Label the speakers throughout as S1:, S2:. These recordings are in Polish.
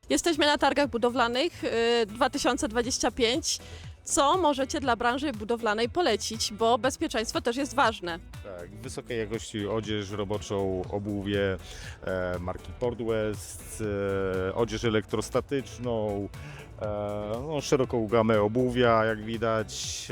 S1: Jesteśmy na targach budowlanych 2025. Co możecie dla branży budowlanej polecić, bo bezpieczeństwo też jest ważne.
S2: Tak, wysokiej jakości odzież roboczą, obuwie marki Port West, odzież elektrostatyczną, no, szeroką gamę obuwia, jak widać.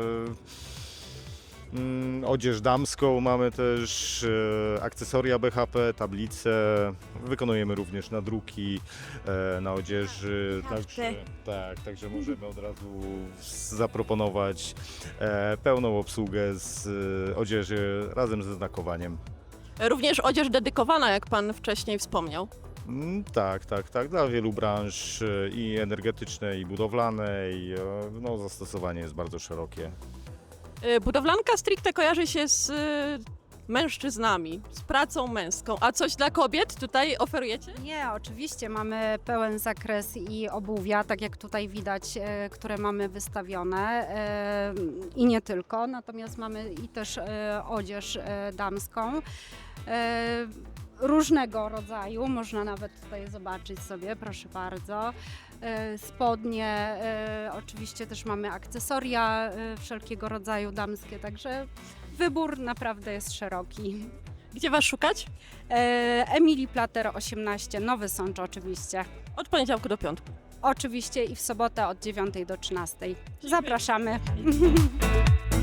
S2: Odzież damską mamy też, akcesoria BHP, tablice. Wykonujemy również nadruki na odzieży. Także możemy od razu zaproponować pełną obsługę z odzieży razem ze znakowaniem.
S1: Również odzież dedykowana, jak Pan wcześniej wspomniał.
S2: Tak. Dla wielu branż i energetycznej, i budowlanej. No, zastosowanie jest bardzo szerokie.
S1: Budowlanka stricte kojarzy się z mężczyznami, z pracą męską. A coś dla kobiet tutaj oferujecie?
S3: Nie, oczywiście mamy pełen zakres i obuwia, tak jak tutaj widać, które mamy wystawione i nie tylko, natomiast mamy i też odzież damską. Różnego rodzaju, można nawet tutaj zobaczyć sobie, proszę bardzo. Spodnie, oczywiście też mamy akcesoria wszelkiego rodzaju damskie, także wybór naprawdę jest szeroki.
S1: Gdzie Was szukać?
S3: Emilii Plater 18, Nowy Sącz oczywiście.
S1: Od poniedziałku do piątku.
S3: Oczywiście i w sobotę od 9 do 13. Zapraszamy.